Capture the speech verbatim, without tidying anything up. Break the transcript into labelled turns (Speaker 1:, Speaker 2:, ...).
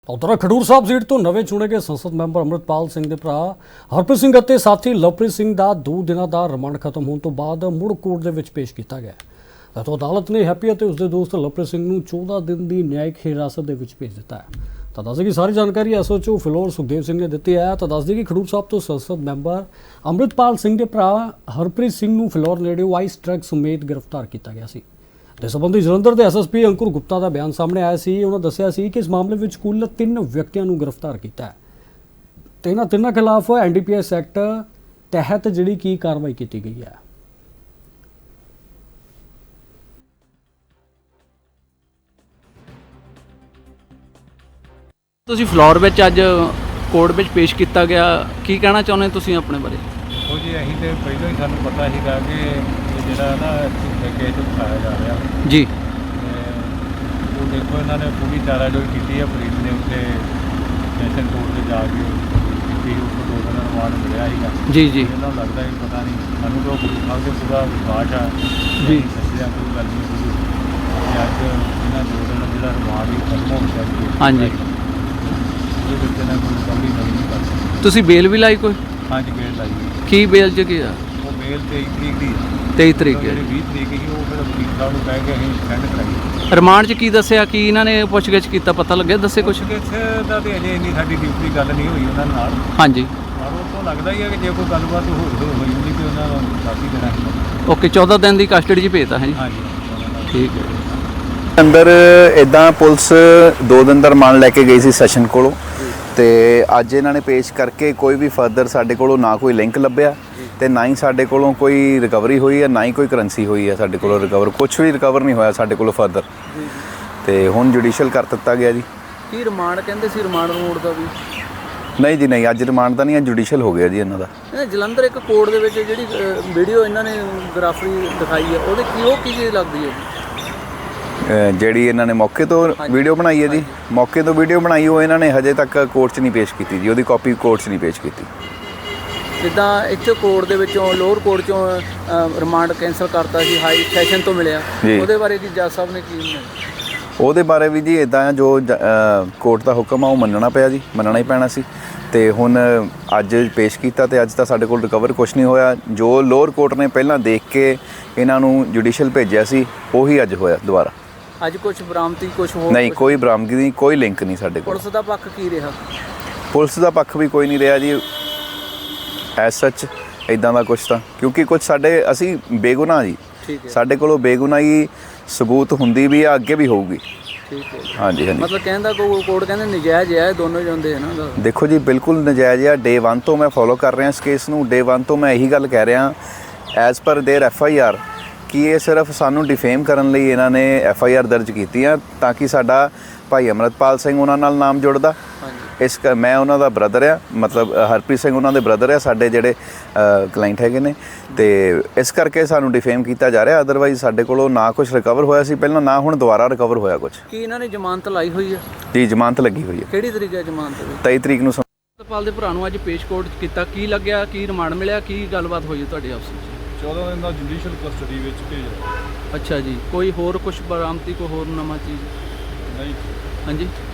Speaker 1: ਉਧਰ ਖਡੂਰ ਸਾਹਿਬ ਸੀਟ ਤੋਂ ਨਵੇਂ ਚੁਣੇ ਗਏ ਸੰਸਦ ਮੈਂਬਰ ਅੰਮ੍ਰਿਤਪਾਲ ਸਿੰਘ ਦੇ ਭਰਾ ਹਰਪ੍ਰੀਤ ਸਿੰਘ ਅਤੇ ਸਾਥੀ ਲਵਪ੍ਰੀਤ ਸਿੰਘ ਦਾ ਦੋ ਦਿਨਾਂ ਦਾ ਰਿਮਾਂਡ ਖਤਮ ਹੋਣ ਤੋਂ ਬਾਅਦ ਮੁੜ ਕੋਰਟ ਦੇ ਵਿੱਚ ਪੇਸ਼ ਕੀਤਾ ਗਿਆ ਹੈ। ਤਾਂ ਅਦਾਲਤ ਨੇ ਹੈਪੀ ਅਤੇ ਉਸਦੇ ਦੋਸਤ ਲਵਪ੍ਰੀਤ ਸਿੰਘ ਨੂੰ ਚੌਦਾਂ ਦਿਨ ਦੀ ਨਿਆਇਕ ਹਿਰਾਸਤ ਦੇ ਵਿੱਚ ਭੇਜ ਦਿੱਤਾ ਹੈ। ਤਾਂ ਦੱਸਦੇ ਕਿ ਸਾਰੀ ਜਾਣਕਾਰੀ ਐਸਓਚਓ ਫਿਲੌਰ ਸੁਖਦੇਵ ਸਿੰਘ ਨੇ ਦਿੱਤੀ ਹੈ। ਤਾਂ ਦੱਸਦੇ ਕਿ ਖਡੂਰ ਸਾਹਿਬ ਤੋਂ ਸੰਸਦ ਮੈਂਬਰ ਅੰਮ੍ਰਿਤਪਾਲ ਸਿੰਘ ਦੇ ਭਰਾ ਹਰਪ੍ਰੀਤ ਸਿੰਘ ਨੂੰ ਫਿਲੌਰ ਨੇੜੇ ਆਈਸ ਡਰੱਗ ਸਮੇਤ ਗ੍ਰਿਫਤਾਰ ਕੀਤਾ ਗਿਆ ਸੀ। ਇਸ ਸੰਬੰਧੀ ਜਲੰਧਰ ਦੇ ਐਸਐਸਪੀ ਅੰਕੁਰ ਗੁਪਤਾ ਦਾ ਬਿਆਨ ਸਾਹਮਣੇ ਆਇਆ ਸੀ। ਉਹਨਾਂ ਦੱਸਿਆ ਸੀ ਕਿ ਇਸ ਮਾਮਲੇ ਵਿੱਚ ਕੁੱਲ ਤਿੰਨ ਵਿਅਕਤੀਆਂ ਨੂੰ ਗ੍ਰਿਫਤਾਰ ਕੀਤਾ ਹੈ ਤੇ ਇਹਨਾਂ ਤਿੰਨਾਂ ਖਿਲਾਫ ਐਨਡੀਪੀਐਸ ਐਕਟ ਤਹਿਤ ਜਿਹੜੀ ਕੀ ਕਾਰਵਾਈ ਕੀਤੀ ਗਈ ਹੈ।
Speaker 2: ਤੁਸੀਂ ਫਲੋਰ ਵਿੱਚ ਅੱਜ ਕੋਰਟ ਵਿੱਚ ਪੇਸ਼ ਕੀਤਾ ਗਿਆ, ਕੀ ਕਹਿਣਾ ਚਾਹੁੰਦੇ ਤੁਸੀਂ ਆਪਣੇ ਬਾਰੇ?
Speaker 3: ਉਹ ਜੀ ਅਸੀਂ ਤੇ ਪਹਿਲਾਂ ਹੀ ਸਾਨੂੰ ਪਤਾ ਸੀਗਾ ਕਿ ਇਹ ਜਿਹੜਾ ਨਾ ਕੇਸ ਉਠਾਇਆ ਜਾ ਰਿਹਾ
Speaker 2: ਜੀ।
Speaker 3: ਉਹ ਦੇਖੋ ਇਹਨਾਂ ਨੇ ਪੂਰੀ ਚਾਰਾਜੋਈ ਕੀਤੀ ਹੈ। ਪੁਲਿਸ ਨੇ ਉੱਤੇ ਸੈਸ਼ਨ ਕੋਰਟ 'ਤੇ ਜਾ ਕੇ ਕੀਤੀ, ਉਸ ਤੋਂ ਦੋ ਦਿਨ ਰਿਮਾਂਡ ਮਿਲਿਆ ਸੀਗਾ
Speaker 2: ਜੀ ਜੀ
Speaker 3: ਇਹਨਾਂ ਨੂੰ ਲੱਗਦਾ ਕਿ ਪਤਾ ਨਹੀਂ, ਸਾਨੂੰ ਤਾਂ ਗੁਰੂ ਸਾਹਿਬ 'ਤੇ ਪੂਰਾ ਵਿਸ਼ਵਾਸ ਆ
Speaker 2: ਜੀ,
Speaker 3: ਸੱਚਿਆ ਕੋਈ ਗੱਲ ਨਹੀਂ ਹੋਈ। ਅਤੇ ਅੱਜ ਇਹਨਾਂ ਦੋ ਦਿਨ ਜਿਹੜਾ ਰਿਮਾਂਡ ਹੀ ਖਤਮ ਹੋ ਗਿਆ ਸੀ।
Speaker 2: ਹਾਂਜੀ,
Speaker 3: ਉਹਦੇ ਵਿੱਚ ਇਹਨਾਂ ਕੋਈ ਰਿਕਵਰੀ ਨਹੀਂ ਕਰ ਸਕਦੀ।
Speaker 2: ਤੁਸੀਂ ਬੇਲ ਵੀ ਲਾਈ ਕੋਈ?
Speaker 3: ਹਾਂਜੀ, ਬੇਲ ਲਾਈ ਹੋਈ।
Speaker 2: ਕੀ ਬੇਲ 'ਚ ਕੀ ਆ?
Speaker 3: ਉਹ ਬੇਲ ਤੇਈ ਤਰੀਕ ਦੀ ਹੈ।
Speaker 2: ਤੇਈ ਤਰੀਕ ਹੈ।
Speaker 3: ਜਿਹੜੀ ਵੀਹ ਤਰੀਕ ਸੀ ਉਹ ਫਿਰ ਵਕੀਲ ਸਾਹਿਬ ਨੂੰ ਕਹਿ ਕੇ ਅਸੀਂ ਸੈਂਡ ਕਰਾਈ।
Speaker 2: ਰਿਮਾਂਡ 'ਚ ਕੀ ਦੱਸਿਆ, ਕੀ ਇਹਨਾਂ ਨੇ ਪੁੱਛਗਿੱਛ ਕੀਤਾ, ਪਤਾ ਲੱਗਿਆ? ਦੱਸੇ ਕੁਛ?
Speaker 3: ਕਿਸੇ ਦਾ ਤੇ ਅਜੇ ਇੰਨੀ ਸਾਡੀ ਡਿਊਟੀ ਗੱਲ ਨਹੀਂ ਹੋਈ ਉਹਨਾਂ ਨਾਲ,
Speaker 2: ਹਾਂਜੀ,
Speaker 3: ਪਰ ਉਹ ਤੋਂ ਲੱਗਦਾ ਹੀ ਹੈ ਕਿ ਜੇ ਕੋਈ ਗੱਲਬਾਤ ਹੋ ਹੋ- ਹੋਈ ਹੁੰਦੀ ਤੇ ਉਹਨਾਂ ਨੂੰ ਦੱਸ ਹੀ ਦੇਣਾ ਸੀ।
Speaker 2: ਓਕੇ, ਚੌਦਾਂ ਦਿਨ ਦੀ ਕਸਟਡੀ 'ਚ ਭੇਜਤਾ ਹੈ ਜੀ।
Speaker 3: ਹਾਂਜੀ,
Speaker 2: ਠੀਕ ਹੈ।
Speaker 4: ਅੰਦਰ ਇਦਾਂ ਪੁਲਿਸ ਦੋ ਦਿਨ ਦਾ ਰਿਮਾਂਡ ਲੈ ਕੇ ਗਈ ਸੀ ਸੈਸ਼ਨ ਕੋਲੋਂ, ਤੇ ਅੱਜ ਇਹਨਾਂ ਨੇ ਪੇਸ਼ ਕਰਕੇ ਕੋਈ ਵੀ ਫਰਦਰ ਸਾਡੇ ਕੋਲੋਂ ਨਾ ਕੋਈ ਲਿੰਕ ਲੱਭਿਆ ਤੇ ਨਾ ਹੀ ਸਾਡੇ ਕੋਲੋਂ ਕੋਈ ਰਿਕਵਰੀ ਹੋਈ ਹੈ, ਨਾ ਹੀ ਕੋਈ ਕਰੰਸੀ ਹੋਈ ਹੈ ਸਾਡੇ ਕੋਲੋਂ ਰਿਕਵਰ। ਕੁਝ ਵੀ ਰਿਕਵਰ ਨਹੀਂ ਹੋਇਆ ਸਾਡੇ ਕੋਲੋਂ ਫਰਦਰ, ਤੇ ਹੁਣ ਜੁਡੀਸ਼ੀਅਲ ਕਰ ਦਿੱਤਾ ਗਿਆ ਜੀ।
Speaker 2: ਕੀ ਰਿਮਾਂਡ ਕਹਿੰਦੇ ਸੀ? ਰਿਮਾਂਡ ਰੋਡ ਦਾ ਵੀ
Speaker 4: ਨਹੀਂ ਜੀ, ਨਹੀਂ, ਅੱਜ ਰਿਮਾਂਡ ਤਾਂ ਨਹੀਂ, ਅੱਜ ਜੁਡੀਸ਼ੀਅਲ ਹੋ ਗਿਆ ਜੀ ਇਹਨਾਂ ਦਾ।
Speaker 2: ਇਹ ਜਲੰਧਰ ਇੱਕ ਕੋਰਟ ਦੇ ਵਿੱਚ ਜਿਹੜੀ ਵੀਡੀਓ ਇਹਨਾਂ ਨੇ ਗ੍ਰਾਫਰੀ ਦਿਖਾਈ ਹੈ, ਉਹਦੇ ਕੀ ਉਹ ਕੀ ਚੀਜ਼ ਲੱਗਦੀ ਹੈ ਜੀ?
Speaker 4: ਅਹ ਜਿਹੜੀ ਇਹਨਾਂ ਨੇ ਮੌਕੇ ਤੋਂ ਵੀਡੀਓ ਬਣਾਈ ਹੈ ਜੀ, ਮੌਕੇ ਤੋਂ ਵੀਡੀਓ ਬਣਾਈ, ਉਹ ਇਹਨਾਂ ਨੇ ਹਜੇ ਤੱਕ ਕੋਰਟ 'ਚ ਨਹੀਂ ਪੇਸ਼ ਕੀਤੀ ਜੀ। ਉਹਦੀ ਕਾਪੀ ਕੋਰਟ 'ਚ ਨਹੀਂ ਪੇਸ਼ ਕੀਤੀ।
Speaker 2: ਜਿੱਦਾਂ ਇੱਥੇ ਕੋਰਟ ਦੇ ਵਿੱਚੋਂ ਲੋਅਰ ਕੋਰਟ 'ਚੋਂ ਰਿਮਾਂਡ ਕੈਂਸਲ ਕਰਤਾ ਸੀ, ਹਾਈ ਸੈਸ਼ਨ ਤੋਂ ਮਿਲਿਆ, ਉਹਦੇ ਬਾਰੇ ਕੀ ਜੱਜ ਸਾਹਿਬ ਨੇ ਕੀ?
Speaker 4: ਉਹਦੇ ਬਾਰੇ ਵੀ ਜੀ ਇੱਦਾਂ ਜੋ ਕੋਰਟ ਦਾ ਹੁਕਮ ਆ ਉਹ ਮੰਨਣਾ ਪਿਆ ਜੀ, ਮੰਨਣਾ ਹੀ ਪੈਣਾ ਸੀ। ਤੇ ਹੁਣ ਅੱਜ ਪੇਸ਼ ਕੀਤਾ ਤੇ ਅੱਜ ਤਾਂ ਸਾਡੇ ਕੋਲ ਰਿਕਵਰ ਕੁਝ ਨਹੀਂ ਹੋਇਆ। ਜੋ ਲੋਅਰ ਕੋਰਟ ਨੇ ਪਹਿਲਾਂ ਦੇਖ ਕੇ ਇਹਨਾਂ ਨੂੰ ਜੁਡੀਸ਼ੀਅਲ ਭੇਜਿਆ ਸੀ, ਉਹੀ ਅੱਜ ਹੋਇਆ ਦੁਬਾਰਾ।
Speaker 2: ਅੱਜ ਕੁਝ ਬਰਾਮਦੀ ਕੁਝ ਹੋਰ?
Speaker 4: ਨਹੀਂ, ਕੋਈ ਬਰਾਮਦਗੀ ਨਹੀਂ, ਕੋਈ ਲਿੰਕ ਨਹੀਂ ਸਾਡੇ ਕੋਲ।
Speaker 2: ਪੁਲਿਸ ਦਾ ਪੱਖ ਕੀ ਰਿਹਾ?
Speaker 4: ਪੁਲਿਸ ਦਾ ਪੱਖ ਵੀ ਕੋਈ ਨਹੀਂ ਰਿਹਾ ਜੀ ਐਸ ਸੱਚ ਇਦਾਂ ਦਾ ਕੁਝ ਤਾਂ, ਕਿਉਂਕਿ ਕੁਝ ਸਾਡੇ ਅਸੀਂ ਬੇਗੁਨਾਹ ਜੀ,
Speaker 2: ਠੀਕ ਹੈ,
Speaker 4: ਸਾਡੇ ਕੋਲੋਂ ਬੇਗੁਨਾਹੀ ਸਬੂਤ ਹੁੰਦੀ ਵੀ ਆ, ਅੱਗੇ ਵੀ ਹੋਊਗੀ।
Speaker 2: ਠੀਕ ਹੈ,
Speaker 4: ਹਾਂਜੀ ਹਾਂਜੀ।
Speaker 2: ਮਤਲਬ ਕਹਿੰਦਾ ਕੋਈ ਕੋਰਟ ਕਹਿੰਦੇ ਨਜਾਇਜ਼ ਹੈ, ਦੋਨੋਂ ਜਾਂਦੇ ਹਨ ਨਾ।
Speaker 4: ਦੇਖੋ ਜੀ, ਬਿਲਕੁਲ ਨਜਾਇਜ਼ ਆ। ਡੇ ਵਨ ਤੋਂ ਮੈਂ ਫੋਲੋ ਕਰ ਰਿਹਾ ਇਸ ਕੇਸ ਨੂੰ। ਡੇ ਵਨ ਤੋਂ ਮੈਂ ਇਹੀ ਗੱਲ ਕਹਿ ਰਿਹਾ as per there F I R ਕਿ ਇਹ ਸਿਰਫ ਸਾਨੂੰ ਡਿਫੇਮ ਕਰਨ ਲਈ ਇਹਨਾਂ ਨੇ ਐਫ ਆਈ ਆਰ ਦਰਜ ਕੀਤੀ ਆ, ਤਾਂ ਕਿ ਸਾਡਾ ਭਾਈ ਅੰਮ੍ਰਿਤਪਾਲ ਸਿੰਘ ਉਹਨਾਂ ਨਾਲ ਨਾਮ ਜੁੜਦਾ। ਇਸ ਕ ਮੈਂ ਉਹਨਾਂ ਦਾ ਬ੍ਰਦਰ ਆ, ਮਤਲਬ ਹਰਪ੍ਰੀਤ ਸਿੰਘ ਉਹਨਾਂ ਦੇ ਬ੍ਰਦਰ ਆ, ਸਾਡੇ ਜਿਹੜੇ ਕਲਾਇੰਟ ਹੈਗੇ ਨੇ, ਤੇ ਇਸ ਕਰਕੇ ਸਾਨੂੰ ਡਿਫੇਮ ਕੀਤਾ ਜਾ ਰਿਹਾ। ਅਦਰਵਾਈਜ਼ ਸਾਡੇ ਕੋਲੋਂ ਨਾ ਕੁਝ ਰਿਕਵਰ ਹੋਇਆ ਸੀ ਪਹਿਲਾਂ, ਨਾ ਹੁਣ ਦੁਬਾਰਾ ਰਿਕਵਰ ਹੋਇਆ ਕੁਝ।
Speaker 2: ਕੀ ਇਹਨਾਂ ਨੇ ਜ਼ਮਾਨਤ ਲਾਈ ਹੋਈ ਹੈ?
Speaker 4: ਜੀ, ਜ਼ਮਾਨਤ ਲੱਗੀ ਹੋਈ ਹੈ।
Speaker 2: ਕਿਹੜੀ ਤਰੀਕੇ ਹੈ ਜ਼ਮਾਨਤ ਦੀ?
Speaker 4: ਤੇਈ ਤਰੀਕ ਨੂੰ।
Speaker 2: ਅੰਮ੍ਰਿਤਪਾਲ ਦੇ ਭਰਾ ਨੂੰ ਅੱਜ ਪੇਸ਼ ਕੋਰਟ ਕੀਤਾ, ਕੀ ਲੱਗਿਆ, ਕੀ ਰਿਮਾਂਡ ਮਿਲਿਆ, ਕੀ ਗੱਲਬਾਤ ਹੋਈ ਤੁਹਾਡੇ ਆਪਸ ਵਿੱਚ?
Speaker 3: ਚੌਦਾਂ ਦਿਨ ਦਾ ਜੁਡੀਸ਼ੀਅਲ ਕਸਟਡੀ ਵਿੱਚ ਭੇਜਿਆ।
Speaker 2: ਅੱਛਾ ਜੀ, ਕੋਈ ਹੋਰ ਕੁਝ ਬਰਾਮਦੀ, ਕੋਈ ਹੋਰ ਨਵਾਂ ਚੀਜ਼?
Speaker 3: ਨਹੀਂ।
Speaker 2: ਹਾਂਜੀ।